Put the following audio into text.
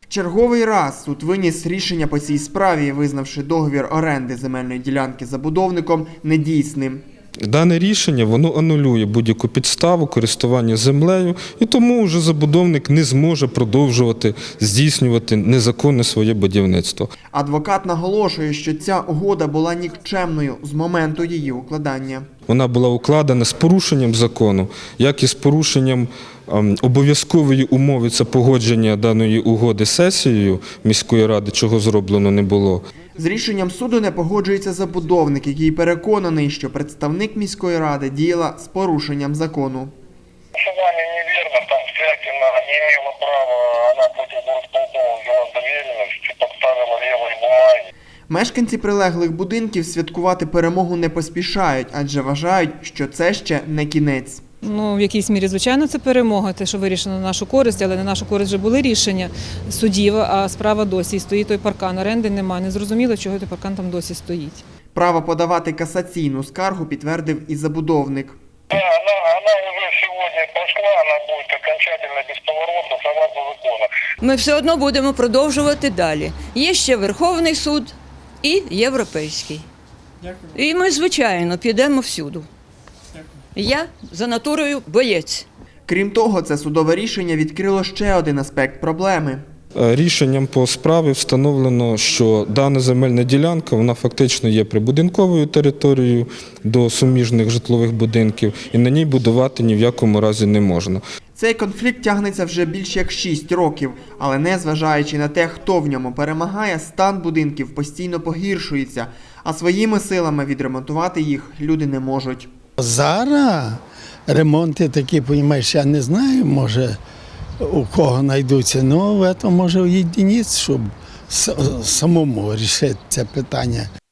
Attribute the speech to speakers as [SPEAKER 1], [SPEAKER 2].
[SPEAKER 1] Черговий раз суд виніс рішення по цій справі, визнавши договір оренди земельної ділянки забудовником недійсним.
[SPEAKER 2] Дане рішення воно анулює будь-яку підставу користування землею, і тому вже забудовник не зможе продовжувати здійснювати незаконне своє будівництво.
[SPEAKER 1] Адвокат наголошує, що ця угода була нікчемною з моменту її укладання.
[SPEAKER 2] Вона була укладена з порушенням закону, як і з порушенням обов'язкової умови – це погодження даної угоди сесією міської ради, чого зроблено не було.
[SPEAKER 1] З рішенням суду не погоджується забудовник, який переконаний, що представник міської ради діяла з порушенням закону.
[SPEAKER 3] Вами неверно, там Стрякина не имела права, она против горосполкома взяла доверенность, подставила левые бумаги.
[SPEAKER 1] Мешканці прилеглих будинків святкувати перемогу не поспішають, адже вважають, що це ще не кінець.
[SPEAKER 4] В якійсь мірі, звичайно, це перемога, те, що вирішено на нашу користь, але на нашу користь вже були рішення судів, а справа досі стоїть той паркан, оренди немає. Не зрозуміло, чого той паркан там досі стоїть.
[SPEAKER 1] Право подавати касаційну скаргу підтвердив і забудовник.
[SPEAKER 3] Да, она уже сегодня прошла, она будет окончательно бесповоротно, согласно закону.
[SPEAKER 5] Ми все одно будемо продовжувати далі. Є ще Верховний суд і Європейський. І ми, звичайно, підемо всюди. Я за натурою боєць.
[SPEAKER 1] Крім того, це судове рішення відкрило ще один аспект проблеми.
[SPEAKER 2] Рішенням по справі встановлено, що дана земельна ділянка, вона фактично є прибудинковою територією до суміжних житлових будинків, і на ній будувати ні в якому разі не можна.
[SPEAKER 1] Цей конфлікт тягнеться вже більш як 6 років, але незважаючи на те, хто в ньому перемагає, стан будинків постійно погіршується, а своїми силами відремонтувати їх люди не можуть.
[SPEAKER 6] Зараз ремонти такі, розумієш, я не знаю, може у кого знайдуться, але в цьому може єдиниць, щоб самому вирішити це питання.